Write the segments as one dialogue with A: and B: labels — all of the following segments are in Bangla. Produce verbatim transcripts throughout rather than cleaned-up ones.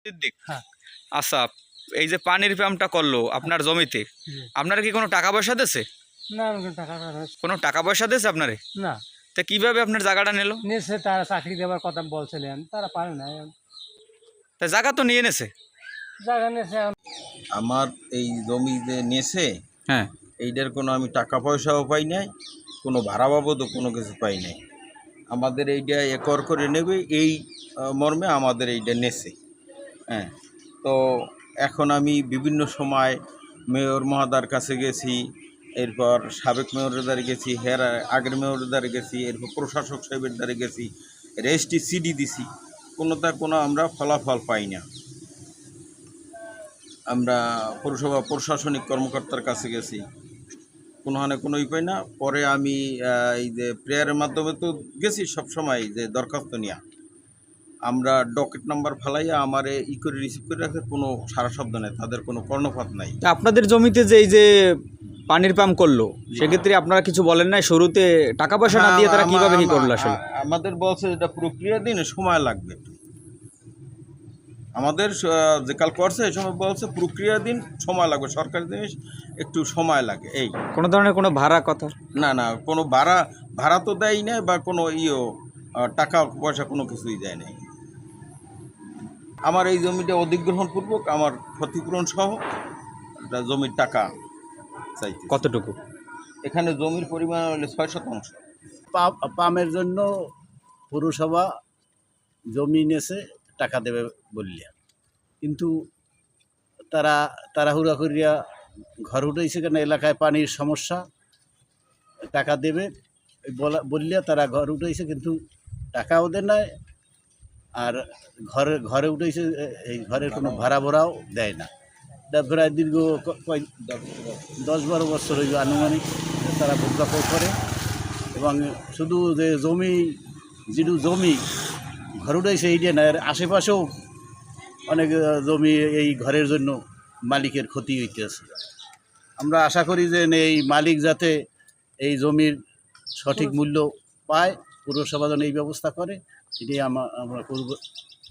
A: সিদ্দিক,
B: হ্যাঁ।
A: আচ্ছা, এই যে পানির পাম্পটা করলো আপনার জমিতে,
B: জি।
A: আপনারা কি কোনো টাকা পয়সা দিয়েছে?
B: না আমাকে টাকা টাকা
A: কোনো টাকা পয়সা দিয়েছে আপনারে?
B: না
A: তা কিভাবে আপনার জায়গাটা নিল?
B: নিয়েছে, তারা চাকরি দেওয়ার কথা বলছিলেন, তারা পারে না।
A: তা জায়গা তো নিয়ে নেছে।
B: জায়গা নিয়েছে এখন।
C: আমার এই জমি যে নিয়েছে,
A: হ্যাঁ,
C: এইটার কোনো আমি টাকা পয়সাও পাই নাই, কোনো ভাড়া বাবদও কোনো কিছু পাই নাই। আমাদের এইটা একর করে নেবে এই আহ, মর্মে আমাদের এইটা নেছে। হ্যাঁ, তো এখন আমি বিভিন্ন সময় মেয়র মহোদয়ের কাছে গেছি, এরপর সাবেক মেয়রের দ্বারে গেছি, হের আগের মেয়রের দ্বারে গেছি, এরপর প্রশাসক সাহেবের দ্বারে গেছি, রেজিস্ট্রি সিডি দিছি, কোনোটা কোনো আমরা ফলাফল পাই না। আমরা পৌরসভা প্রশাসনিক কর্মকর্তার কাছে গেছি, কোনোখানে কোনোই পাই না। পরে আমি আহ, এই যে প্রেয়ারের মাধ্যমে তো গেছি সব সময় যে দরখাস্ত নিয়ে, আমরা ডকেট নাম্বার ফেলাইয়া আমার ই করে রিসিভ করে রাখে, কোনো সারা শব্দ নেই, তাদের কোনো কর্ণপাত নাই।
A: তা আপনাদের জমিতে যে এই যে পানির পাম্প করলো, সেক্ষেত্রে আপনারা কিছু বলেন নাই? শুরুতে টাকা পয়সা না দিয়ে তারা কিভাবে কি করলো আসলে?
C: আ- আমাদের বলছে এটা প্রক্রিয়া দিন সময় লাগবে। আমাদের আহ, যে কাল করছে এই সময় বলছে প্রক্রিয়া দিন সময় লাগবে, সরকারি জিনিস একটু সময় লাগে। এই
A: কোনো ধরনের কোনো ভাড়া কথা?
C: না না, কোনো ভাড়া ভাড়া তো দেয় নাই, বা কোনো ইয়ে আহ, টাকা পয়সা কোনো কিছুই দেয় নাই। আমার এই জমিটা অধিগ্রহণপূর্বক আমার ক্ষতিপূরণ সহ একটা জমির টাকা চাইতে।
A: কতটুকু?
C: এখানে জমির পরিমাণ হলে ছয় শতাংশ।
D: পা- পামের জন্য পৌরসভা জমি নিয়েছে, টাকা দেবে বললে, কিন্তু তারা তাড়াহুড়া করিয়া ঘর উঠেছে কেন, এলাকায় পানির সমস্যা, টাকা দেবে এই বলা বললে তারা ঘর উঠেছে, কিন্তু টাকাও দেয় নাই। আর ঘরে ঘরে উঠেছে, এই ঘরের কোনো ভাড়া ভরাও দেয় না। এটা প্রায় দীর্ঘ ক- কয় দশ বারো বছর হইল আনুমানিক তারা ভোগাপড় করে। এবং শুধু যে জমি, যেটু জমি ঘর উঠেছে এইটা না, এর আশেপাশেও অনেক আহ, জমি এই ঘরের জন্য মালিকের ক্ষতি হইতেছে। আমরা আশা করি যে এই মালিক যাতে এই জমির সঠিক মূল্য পায়, পৌরসভা যেন এই ব্যবস্থা করে, এটাই আমা আমরা পৌর-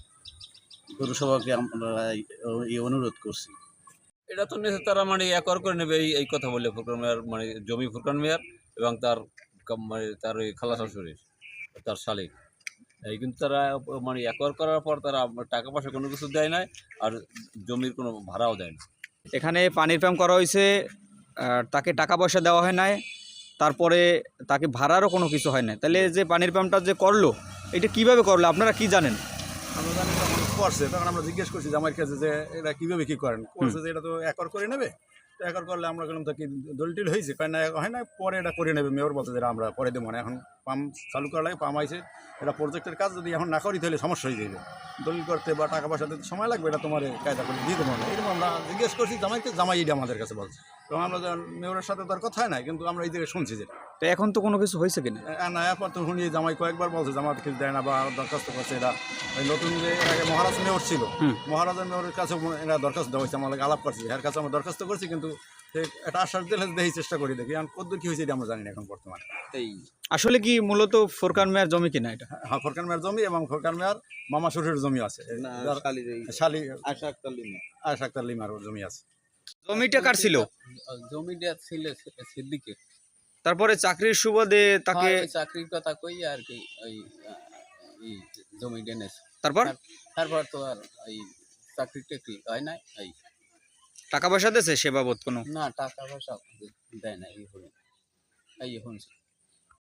D: পৌরসভাকে আমরা এই- এই অনুরোধ করছি।
E: এটা তো নেছে তারা মানে একর করে নেবে, এই এই কথা বললে ফুরকান মিয়ার, মানে জমি ফুরকান মিয়ার এবং তার কাম- মানে তার ওই খালা শাশুড়ির, তার শালিক। এই কিন্তু তারা মানে একর করার পর তারা টাকা পয়সা কোনো কিছু দেয় নাই, আর জমির কোনো ভাড়াও দেয় না।
A: এখানে পানির পাম্প করা হয়েছে, আর তাকে টাকা পয়সা দেওয়া হয় নাই, তারপরে তাকে ভাড়ারও কোনো কিছু হয় না। তাহলে যে পানির পাম্পটা যে করলো, এটা কিভাবে করলো আপনারা কি জানেন?
F: আমরা জানি যখন করছে তখন আমরা জিজ্ঞেস করছি যে আমার কাছে যে এটা কীভাবে কী করেন, করছে যে এটা তো একর করে নেবে। তো একর করলে আমরা বললাম তো কি দলিল হয়েছে, কারণ না হয় না, পরে এটা করে নেবে। মেয়র বলছে যেটা আমরা পরে দেবো না, এখন পাম্প চালু করা লাগে, পাম্প আইছে, এটা প্রজেক্টের কাজ, যদি এখন না করি তাহলে সমস্যা হয়ে যাবে, দলিল করতে বা টাকা পয়সা দিতে সময় লাগবে, এটা তোমার কায়দা করে দিয়ে দেবো না। এরকম আমরা জিজ্ঞেস করছি জামাইকে, জামাই এটা আমাদের কাছে বলছে। তো আমরা যখন মেয়রের সাথে তার কথাই নাই, কিন্তু আমরা এই জায়গায় শুনছি যেটা
A: তো এখন তো কোনো কিছু হয়েছে কিনা?
F: না, এরপর তো শুনি জামাই কয়েকবার বলছে জামাত কিছু দেয় না বা দরখাস্ত করছে। এরা ওই নতুন যে এর আগে মহারাজ মেয়র ছিল,
A: হুম।
F: মহারাজা মেয়রের কাছে এরা দরখাস্ত দেওয়া হয়েছে, আমাদের আলাপ করছে, এর কাছে আমরা দরখাস্ত করছি, কিন্তু সে একটা আশ্বাস দিলে দেখি চেষ্টা করি, দেখি এখন কত কী হয়েছে এটা আমরা জানি না এখন বর্তমানে। এই
A: আসলে কি মূলত ফুরকান মিয়ার জমি কিনা এটা?
F: হ্যাঁ, ফরকান মেয়ার জমি এবং ফরকান মেয়ার মামা শ্বশুরের জমি আছে, শালি আশা আক্তার লিমার জমি আছে।
A: জমিটা কার ছিল?
E: জমিটা ছিল সিদ্দিকের।
A: তারপরে চাকরির সুবাদে তাকে,
E: চাকরির কথা কই আর কি, ওই এই জমিটা নেছে।
A: তারপর
E: তারপর তো আর এই চাকরি টাকরি হয় নাই। এই
A: টাকা পয়সা দিয়েছে সে বাবদ কোনো?
E: না, টাকা পয়সা দেয় না, এই হলো এই শুনছি।